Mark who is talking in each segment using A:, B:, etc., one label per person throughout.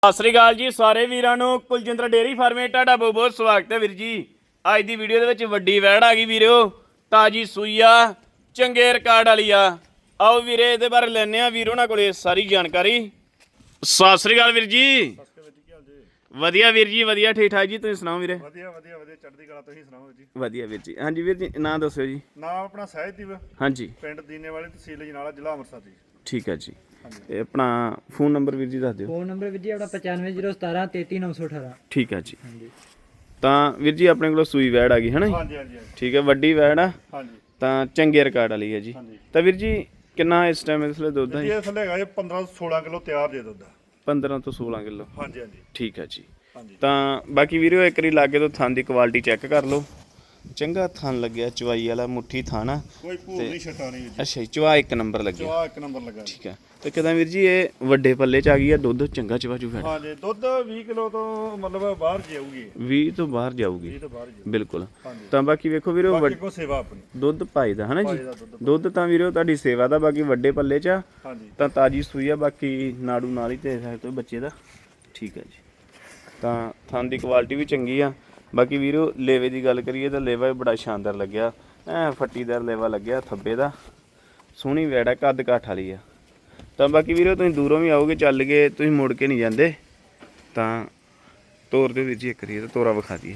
A: ਸਤਿ ਸ੍ਰੀ ਅਕਾਲ ਜੀ ਸਾਰੇ ਵੀਰਾਂ ਨੂੰ। ਕੁਲਜਿੰਦਰ ਡੇਅਰੀ ਫਾਰਮੇ ਤੁਹਾਡਾ ਬਹੁਤ ਬਹੁਤ ਸਵਾਗਤ ਹੈ ਵੀਰ ਜੀ। ਅੱਜ ਦੀ ਵੀਡੀਓ ਦੇ ਵਿੱਚ ਵੱਡੀ ਵੈੜ ਆ ਗਈ ਵੀਰੋ, ਤਾਜੀ ਸੂਈ ਆ, ਚੰਗੇ ਰਿਕਾਰਡ ਵਾਲੀ ਆ। ਆਓ ਵੀਰੇ ਇਹਦੇ ਬਾਰੇ ਲੈਣੇ ਆ ਵੀਰ ਉਹਨਾਂ ਕੋਲੇ ਸਾਰੀ ਜਾਣਕਾਰੀ। ਸਤਿ ਸ੍ਰੀ ਅਕਾਲ ਵੀਰ ਜੀ। ਵਧੀਆ ਵੀਰ ਜੀ, ਵਧੀਆ ਠੀਕ ਠਾਕ ਜੀ। ਤੁਸੀਂ ਸੁਣਾਓ ਵੀਰੇ?
B: ਵਧੀਆ ਵਧੀਆ ਵਧੀਆ ਚੜ੍ਹਦੀ ਕਲਾ। ਤੁਸੀਂ ਸੁਣਾਓ ਜੀ?
A: ਵਧੀਆ ਵੀਰ ਜੀ। ਹਾਂਜੀ ਵੀਰ ਜੀ, ਨਾਂ ਦੱਸਿਓ ਜੀ।
B: ਨਾਮ ਆਪਣਾ ਸਹਿਜਦੀਪ,
A: ਹਾਂਜੀ,
B: ਪਿੰਡ ਦੀਨੇਵਾਲੀ, ਤਹਿਸੀਲ ਅਜਨਾਲਾ, ਜ਼ਿਲ੍ਹਾ ਅੰਮ੍ਰਿਤਸਰ ਜੀ।
A: ਠੀਕ ਹੈ ਜੀ। ਤੇ ਆਪਣਾ ਫੋਨ ਨੰਬਰ ਵੀਰ ਜੀ ਦੱਸ ਦਿਓ।
C: ਫੋਨ ਨੰਬਰ ਵੀਰ ਜੀ ਆਪਣਾ 9501 33918।
A: ਠੀਕ ਹੈ ਜੀ। ਤਾਂ ਵੀਰ ਜੀ ਆਪਣੇ ਕੋਲ ਸੂਈ ਵੈੜ ਆ ਗਈ ਹੈ ਨਾ?
B: ਹਾਂਜੀ ਹਾਂਜੀ
A: ਠੀਕ ਹੈ, ਵੱਡੀ ਵੈੜ ਆ
B: ਹਾਂਜੀ
A: ਤਾਂ ਚੰਗੇ ਰਿਕਾਰਡ ਵਾਲੀ ਹੈ ਜੀ। ਤਾਂ ਵੀਰ ਜੀ ਕਿੰਨਾ ਇਸ ਟਾਈਮ ਇਸ ਲਈ ਦੁੱਧ ਹੈ?
B: ਇਹ ਥੱਲੇ ਹੈਗਾ ਜੀ 15 ਤੋਂ 16 ਕਿਲੋ ਤਿਆਰ ਜੇ ਦੁੱਧ।
A: 15 ਤੋਂ 16 ਕਿਲੋ।
B: ਹਾਂਜੀ ਹਾਂਜੀ
A: ਠੀਕ ਹੈ ਜੀ।
B: ਹਾਂਜੀ।
A: ਤਾਂ ਬਾਕੀ ਵੀਰੋ ਇੱਕ ਵਾਰੀ ਲਾਗੇ ਤੋਂ ਥਣ ਦੀ ਕੁਆਲਿਟੀ ਚੈੱਕ ਕਰ ਲਓ। ਚੰਗਾ ਥਣ ਲੱਗਿਆ, ਚਵਾਈ ਵਾਲਾ ਮੁੱਠੀ ਥਣ ਆ।
B: ਕੋਈ ਭੂਰ ਨਹੀਂ ਛਟਾ ਨਹੀਂ ਜੀ।
A: ਅੱਛਾ ਜੀ, ਚਵਾ ਇੱਕ ਨੰਬਰ ਲੱਗਿਆ।
B: ਚਵਾ ਇੱਕ ਨੰਬਰ ਲੱਗਾ।
A: ਠੀਕ ਹੈ। ਤੇ ਕਿਦਾਂ ਵੀਰ ਜੀ ਇਹ ਵੱਡੇ ਪੱਲੇ ਚ ਆ ਗਈ ਆ, ਦੁੱਧ ਚੰਗਾ ਚਵਾ ਜੂ ਫੈਟ?
B: ਹਾਂਜੀ, ਦੁੱਧ 20 ਕਿਲੋ ਤੋਂ ਮਤਲਬ ਬਾਹਰ ਜਾਊਗੀ।
A: 20 ਤੋਂ ਬਾਹਰ ਜਾਊਗੀ
B: 20 ਤੋਂ ਬਾਹਰ ਜਾਊਗੀ
A: ਬਿਲਕੁਲ।
B: ਹਾਂਜੀ।
A: ਤਾਂ ਬਾਕੀ ਵੇਖੋ ਵੀਰੋ
B: ਬਾਕੀ ਕੋ ਸੇਵਾ ਆਪਣੀ
A: ਦੁੱਧ ਪਾਈਦਾ ਹੈ ਨਾ ਜੀ।
B: ਪਾਈਦਾ ਦੁੱਧ।
A: ਦੁੱਧ ਤਾਂ ਵੀਰੋ ਤੁਹਾਡੀ ਸੇਵਾ ਦਾ। ਬਾਕੀ ਵੱਡੇ ਪੱਲੇ ਚ ਆ
B: ਹਾਂਜੀ।
A: ਤਾਂ ਤਾਜੀ ਸੂਈ ਆ। ਬਾਕੀ ਨਾੜੂ ਨਾਲ ਹੀ ਤੇ ਸਕਦੇ ਹੋ ਬੱਚੇ ਦਾ। ਠੀਕ ਹੈ ਜੀ। ਤਾਂ ਥਣ ਦੀ ਕੁਆਲਿਟੀ ਵੀ ਚੰਗੀ ਆ। ਬਾਕੀ ਵੀਰੋ ਲੇਵੇ ਦੀ ਗੱਲ ਕਰੀਏ ਤਾਂ ਲੇਵਾ ਵੀ ਬੜਾ ਸ਼ਾਨਦਾਰ ਲੱਗਿਆ, ਐ ਫੱਟੀਦਾਰ ਲੇਵਾ ਲੱਗਿਆ ਥੱਬੇ ਦਾ। ਸੋਹਣੀ ਵੈੜ ਆ, ਕੱਦ ਕਾਠ ਵਾਲੀ ਆ। ਤਾਂ ਬਾਕੀ ਵੀਰੋ ਤੁਸੀਂ ਦੂਰੋਂ ਵੀ ਆਓਗੇ, ਚੱਲ ਕੇ ਤੁਸੀਂ ਮੁੜ ਕੇ ਨਹੀਂ ਜਾਂਦੇ। ਤਾਂ ਤੋਰ ਦੇ ਵੀਰ ਜੀ ਇੱਕ ਵਾਰੀ ਤਾਂ ਤੋਰਾ ਵਿਖਾ ਦਈਏ।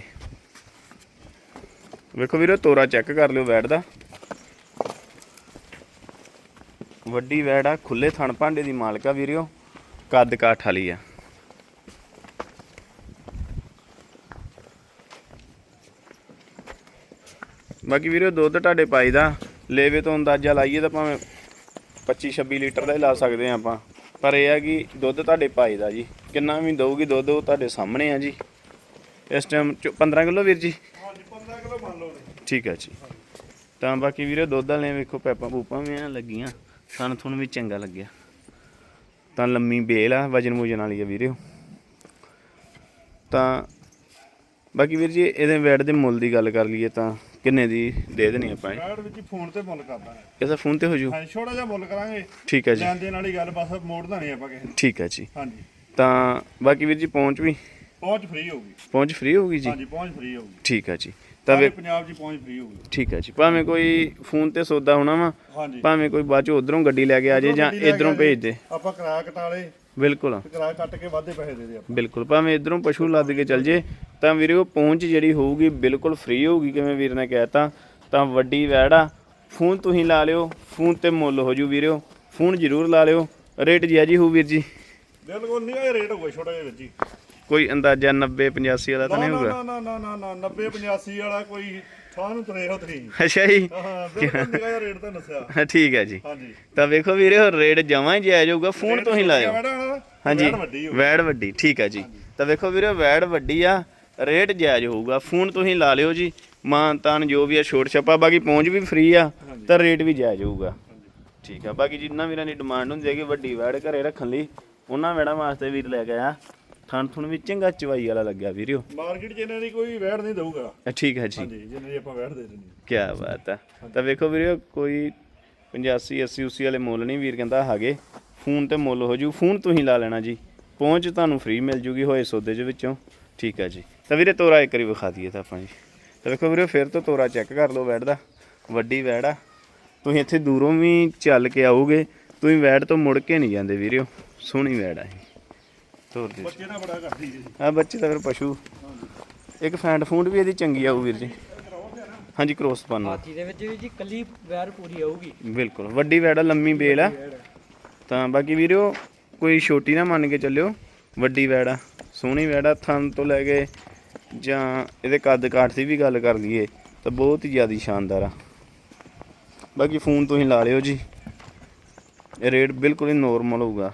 A: ਵੇਖੋ ਵੀਰੋ ਤੋਰਾ ਚੈੱਕ ਕਰ ਲਿਓ ਵੈੜ ਦਾ। ਵੱਡੀ ਵੈੜ ਆ, ਖੁੱਲੇ ਥਣ ਭਾਂਡੇ ਦੀ ਮਾਲਕਾ ਵੀਰੋ, ਕੱਦ ਕਾਠ ਵਾਲੀ ਆ। ਬਾਕੀ ਵੀਰੋ ਦੁੱਧ ਤੁਹਾਡੇ ਪਾਈ ਦਾ ਲੇਵੇ ਤੋਂ ਅੰਦਾਜ਼ਾ ਲਾਈਏ ਤਾਂ ਭਾਵੇਂ 25-26 ਲੀਟਰ ਦਾ ਹੀ ਲਾ ਸਕਦੇ ਆ ਆਪਾਂ। ਪਰ ਇਹ ਆ ਕਿ ਦੁੱਧ ਤੁਹਾਡੇ ਪਾਈ ਦਾ ਜੀ। ਕਿੰਨਾ ਵੀ ਦਊਗੀ ਦੁੱਧ ਉਹ ਤੁਹਾਡੇ ਸਾਹਮਣੇ ਆ ਜੀ। ਇਸ ਟਾਈਮ 15 ਕਿਲੋ ਵੀਰ ਜੀ।
B: ਹਾਂਜੀ 15 ਕਿਲੋ ਮੰਨ ਲਓ।
A: ਠੀਕ ਹੈ ਜੀ। ਤਾਂ ਬਾਕੀ ਵੀਰੋ ਦੁੱਧ ਵਾਲੇ ਵੇਖੋ ਪੈਪਾਂ ਪੂਪਾਂ ਵੀ ਐਂ ਲੱਗੀਆਂ, ਥਣ ਥੁਣ ਵੀ ਚੰਗਾ ਲੱਗਿਆ। ਤਾਂ ਲੰਮੀ ਬੇਲ ਆ, ਵਜਨ ਵੂਜਨ ਵਾਲੀ ਆ ਵੀਰੋ। ਤਾਂ ਬਾਕੀ ਵੀਰ ਜੀ ਇਹਦੇ ਵੈੜ ਦੇ ਮੁੱਲ ਦੀ ਗੱਲ ਕਰ ਲਈਏ ਤਾਂ ਕਿੰਨੇ ਦੀ ਦੇ ਦੇਣੀ ਆਪਾਂ?
B: ਵੈੜ ਵਿੱਚ ਫੋਨ ਤੇ ਮੁੱਲ ਕਰਦਾ ਹੈ।
A: ਇਹਦਾ ਫੋਨ ਤੇ ਹੋ ਜੂ?
B: ਹਾਂਜੀ, ਛੋਟਾ ਜਿਹਾ ਮੁੱਲ ਕਰਾਂਗੇ।
A: ਠੀਕ ਹੈ ਜੀ।
B: ਲੈਣ ਦੇਣ ਵਾਲੀ ਗੱਲ, ਬਸ ਮੋੜਦਾ ਨਹੀਂ ਆਪਾਂ ਕਿਸੇ ਨੂੰ।
A: ਠੀਕ ਹੈ ਜੀ।
B: ਹਾਂਜੀ।
A: ਤਾਂ ਬਾਕੀ ਵੀਰ ਜੀ ਪਹੁੰਚ ਵੀ?
B: ਪਹੁੰਚ ਫ੍ਰੀ ਹੋਊਗੀ।
A: ਪਹੁੰਚ ਫ੍ਰੀ ਹੋਊਗੀ ਜੀ?
B: ਹਾਂਜੀ, ਪਹੁੰਚ ਫ੍ਰੀ ਹੋਊਗੀ।
A: ਠੀਕ ਹੈ ਜੀ। ਤਾਂ
B: ਸਾਰੇ ਪੰਜਾਬ 'ਚ ਪਹੁੰਚ ਫ੍ਰੀ ਹੋਊਗੀ।
A: ਠੀਕ ਹੈ ਜੀ। ਭਾਵੇਂ ਕੋਈ ਫੋਨ ਤੇ ਸੌਦਾ ਹੋਣਾ ਵਾ,
B: ਹਾਂਜੀ,
A: ਭਾਵੇਂ ਕੋਈ ਬਾਅਦ ਚ ਉਧਰੋਂ ਗੱਡੀ ਲੈ ਕੇ ਆ ਜੇ ਜਾਂ ਇਧਰੋਂ ਭੇਜ ਦੇ,
B: ਆਪਾਂ ਕਿਰਾਇਆ ਕਟਾਲੇ
A: ਬਿਲਕੁਲ
B: ਕਿਰਾਇਆ ਕੱਟ ਕੇ ਵਾਧੇ ਪੈਸੇ ਦੇ ਦੇ ਆਪਾਂ।
A: ਬਿਲਕੁਲ। ਭਾਵੇਂ ਇਧਰੋਂ ਪਸ਼ੂ ਲੱਦ ਕੇ ਚੱਲ ਜੇ ਤਾਂ ਵੀਰੇ ਉਹ ਪਹੁੰਚ ਜਿਹੜੀ ਹੋਊਗੀ ਬਿਲਕੁਲ ਫ੍ਰੀ ਹੋਊਗੀ। ਕਿਵੇਂ ਵੀਰ ਨੇ ਕਹਿਤਾ, ਤਾਂ ਵੱਡੀ ਵੈੜ ਆ। ਫੋਨ ਤੁਸੀਂ ਲਾ ਲਿਓ, ਫੋਨ ਤੇ ਮੁੱਲ ਹੋ ਜੂ ਵੀਰੋ। ਫੋਨ ਜ਼ਰੂਰ ਲਾ ਲਿਓ। ਰੇਟ ਜਾਇਜ਼ ਹੋਊ ਵੀਰ ਜੀ?
B: ਬਿਲਕੁਲ ਨਹੀਂ, ਇਹ ਰੇਟ ਹੋਊਗਾ ਛੋਟਾ ਜਿਹਾ ਵੀਰ ਜੀ।
A: ਕੋਈ ਅੰਦਾਜ਼ਾ 90-85 ਵਾਲਾ ਤਾਂ ਨਹੀਂ ਹੋਊਗਾ?
B: ਨਾ ਨਾ ਨਾ ਨਾ ਨਾ 90-85 ਵਾਲਾ ਕੋਈ ਥਾਂ ਨੂੰ ਤੁਰੇ ਹੋ ਤੁਸੀਂ।
A: ਅੱਛਾ ਜੀ।
B: ਹਾਂ, ਬਿਲਕੁਲ ਨਿਕਾ ਜਿਹਾ ਰੇਟ ਤਾਂ ਦੱਸਿਆ।
A: ਠੀਕ ਹੈ ਜੀ।
B: ਹਾਂਜੀ।
A: ਤਾਂ ਵੇਖੋ ਵੀਰੇ ਰੇਟ ਜਮਾਂ ਹੀ ਜਾਇਜ਼ ਹੋਊਗਾ। ਫੋਨ ਤੋਂ ਹੀ ਲਾਇਓ। ਹਾਂਜੀ, ਵੈੜ ਵੱਡੀ। ਠੀਕ ਹੈ ਜੀ। ਤਾਂ ਵੇਖੋ ਵੀਰੇ ਵੈੜ ਵੱਡੀ ਆ, ਰੇਟ ਜਾਇਜ਼ ਹੋਊਗਾ। ਫੋਨ ਤੁਸੀਂ ਲਾ ਲਿਓ ਜੀ। ਮਾਨ ਤਾਨ ਜੋ ਵੀ ਆ ਛੋਟ ਛੱਪਾ, ਬਾਕੀ ਪਹੁੰਚ ਵੀ ਫ੍ਰੀ ਆ ਤਾਂ ਰੇਟ ਵੀ ਜਾਇਜ਼ ਹੋਊਗਾ। ਠੀਕ ਆ। ਬਾਕੀ ਜਿੰਨਾ ਵੀਰਾਂ ਦੀ ਡਿਮਾਂਡ ਹੁੰਦੀ ਹੈ ਕਿ ਵੱਡੀ ਵੈੜ ਘਰੇ ਰੱਖਣ ਲਈ, ਉਹਨਾਂ ਵੈੜਾਂ ਵਾਸਤੇ ਵੀਰ ਲੈ ਕੇ ਆ। ਥਣ ਥੁਣ ਵੀ ਚੰਗਾ ਚਵਾਈ ਵਾਲਾ ਲੱਗਿਆ ਵੀਰਿਓ।
B: ਮਾਰਕੀਟ 'ਚ ਇਹਨਾਂ ਦੀ ਕੋਈ ਵੈੜ ਨਹੀਂ ਦਊਗਾ।
A: ਠੀਕ ਹੈ ਜੀ।
B: ਹਾਂਜੀ, ਜਿੰਨੇ ਦੀ ਆਪਾਂ ਵੈੜ ਦੇ ਦਿੰਦੇ।
A: ਕੀ ਬਾਤ ਆ। ਤਾਂ ਵੇਖੋ ਵੀਰਿਓ ਕੋਈ 85-80 ਵਾਲੇ ਮੁੱਲ ਨਹੀਂ ਵੀਰ ਕਹਿੰਦਾ ਹੈਗੇ। ਫੋਨ ਤੇ ਮੁੱਲ ਹੋ ਜੂ। ਫੋਨ ਤੁਸੀਂ ਲਾ ਲੈਣਾ ਜੀ। ਪਹੁੰਚ ਤੁਹਾਨੂੰ ਫ੍ਰੀ ਮਿਲ ਜੂਗੀ ਹੋਏ ਸੌਦੇ ਦੇ ਵਿੱਚੋਂ। ਠੀਕ ਹੈ ਜੀ। ਤਾਂ ਵੀਰੇ ਤੋਰਾ ਇੱਕ ਵਾਰੀ ਵਿਖਾ ਦਈਏ ਤਾਂ ਆਪਾਂ ਜੀ। ਤਾਂ ਵੇਖੋ ਵੀਰੇ ਫਿਰ ਤੋਂ ਤੋਰਾ ਚੈੱਕ ਕਰ ਲਓ ਵੈੜ ਦਾ। ਵੱਡੀ ਵੈੜ ਆ। ਤੁਸੀਂ ਇੱਥੇ ਦੂਰੋਂ ਵੀ ਚੱਲ ਕੇ ਆਓਗੇ, ਤੁਸੀਂ ਵੈੜ ਤੋਂ ਮੁੜ ਕੇ ਨਹੀਂ ਜਾਂਦੇ ਵੀਰਿਓ। ਸੋਹਣੀ ਵੈੜ ਆ। ਤੋਰ ਦੇ
B: ਬੱਚੇ ਨਾ ਬੜਾ ਕਰਦੀ ਜੀ।
A: ਆ ਬੱਚੇ ਤਾਂ ਫਿਰ ਪਸ਼ੂ। ਇੱਕ ਫੈਂਟ ਫੂੰਡ ਵੀ ਇਹਦੀ ਚੰਗੀ ਆਊ ਵੀਰ ਜੀ। ਹਾਂਜੀ, ਕ੍ਰੋਸ ਪਾਉਣਾ
C: ਹਾਥੀ ਦੇ ਵਿੱਚ ਵੀ ਜੀ ਕੱਲੀ ਵੈਰ ਪੂਰੀ ਆਊਗੀ।
A: ਬਿਲਕੁਲ ਵੱਡੀ ਵੈੜ ਆ, ਲੰਮੀ ਬੇਲ ਆ। ਤਾਂ ਬਾਕੀ ਵੀਰਿਓ ਕੋਈ ਛੋਟੀ ਨਾ ਮੰਨ ਕੇ ਚੱਲਿਓ, ਵੱਡੀ ਵੈੜ ਆ, ਸੋਹਣੀ ਵੈੜ ਆ। ਥਣ ਤੋਂ ਲੈ ਕੇ ਜਾਂ ਇਹਦੇ ਕੱਦ ਕਾਠ ਦੀ ਵੀ ਗੱਲ ਕਰ ਲਈਏ ਤਾਂ ਬਹੁਤ ਹੀ ਜ਼ਿਆਦਾ ਸ਼ਾਨਦਾਰ ਆ। ਬਾਕੀ ਫੋਨ ਤੁਸੀਂ ਲਾ ਲਿਓ ਜੀ। ਇਹ ਰੇਟ ਬਿਲਕੁਲ ਹੀ ਨੋਰਮਲ ਹੋਊਗਾ।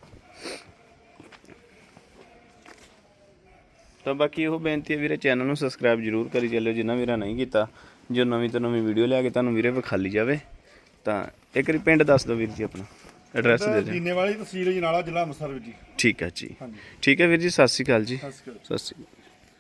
A: ਤਾਂ ਬਾਕੀ ਉਹ ਬੇਨਤੀ ਹੈ ਵੀਰੇ, ਚੈਨਲ ਨੂੰ ਸਬਸਕ੍ਰਾਈਬ ਜ਼ਰੂਰ ਕਰੀ ਚੱਲਿਓ ਜਿੰਨਾ ਵੀਰਾ ਨਹੀਂ ਕੀਤਾ, ਜੋ ਨਵੀਂ ਤੋਂ ਨਵੀਂ ਵੀਡੀਓ ਲਿਆ ਕੇ ਤੁਹਾਨੂੰ ਵੀਰੇ ਵਿਖਾਲੀ ਜਾਵੇ। ਤਾਂ ਇੱਕ ਵਾਰੀ ਪਿੰਡ ਦੱਸ ਦਿਓ ਵੀਰ ਜੀ, ਆਪਣਾ ਐਡਰੈਸ ਦੇ ਦਿਓ।
B: ਦੀਨੇਵਾਲੀ, ਤਹਿਸੀਲ ਅਜਨਾਲਾ, ਜ਼ਿਲ੍ਹਾ ਅੰਮ੍ਰਿਤਸਰ ਜੀ।
A: ਠੀਕ ਹੈ ਜੀ।
B: ਹਾਂਜੀ,
A: ਠੀਕ ਹੈ ਵੀਰ ਜੀ। ਸਤਿ ਸ਼੍ਰੀ ਅਕਾਲ ਜੀ।
B: ਸਤਿ ਸ਼੍ਰੀ ਅਕਾਲ।
A: ਸਤਿ ਸ਼੍ਰੀ ਅਕਾਲ।